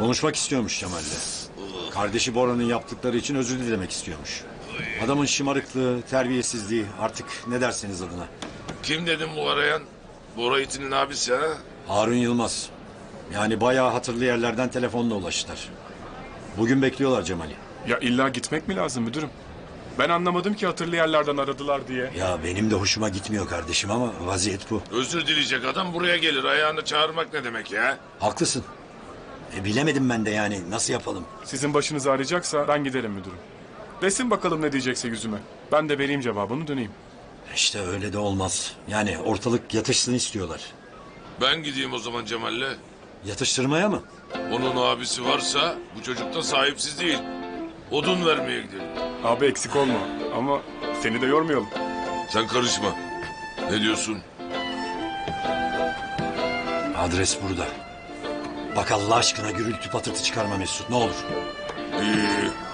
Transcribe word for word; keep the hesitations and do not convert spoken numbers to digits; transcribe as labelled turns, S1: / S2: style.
S1: Konuşmak istiyormuş Cemal'le. Kardeşi Bora'nın yaptıkları için özür dilemek istiyormuş. Adamın şımarıklığı, terbiyesizliği, artık ne derseniz adına.
S2: Kim dedim bu arayan? Bora itinin abisi ha?
S1: Harun Yılmaz. Yani bayağı hatırlı yerlerden telefonla ulaştılar. Bugün bekliyorlar Cemal'i.
S3: Ya illa gitmek mi lazım müdürüm? Ben anlamadım ki hatırlı yerlerden aradılar diye.
S1: Ya benim de hoşuma gitmiyor kardeşim ama vaziyet bu.
S2: Özür dileyecek adam buraya gelir. Ayağını çağırmak ne demek ya?
S1: Haklısın. E, bilemedim ben de yani nasıl yapalım?
S3: Sizin başınız ağrıyacaksa ben giderim müdürüm. Desin bakalım ne diyecekse yüzüme. Ben de vereyim cevabını döneyim.
S1: İşte öyle de olmaz. Yani ortalık yatışsın istiyorlar.
S2: Ben gideyim o zaman Cemal'le.
S1: Yatıştırmaya mı?
S2: Onun abisi varsa bu çocuk da sahipsiz değil. Odun vermeye gidelim.
S3: Abi eksik olma ama seni de yormayalım.
S2: Sen karışma. Ne diyorsun?
S1: Adres burada. Bak Allah aşkına gürültü patırtı çıkarma Mesut, ne olur.
S2: İyi.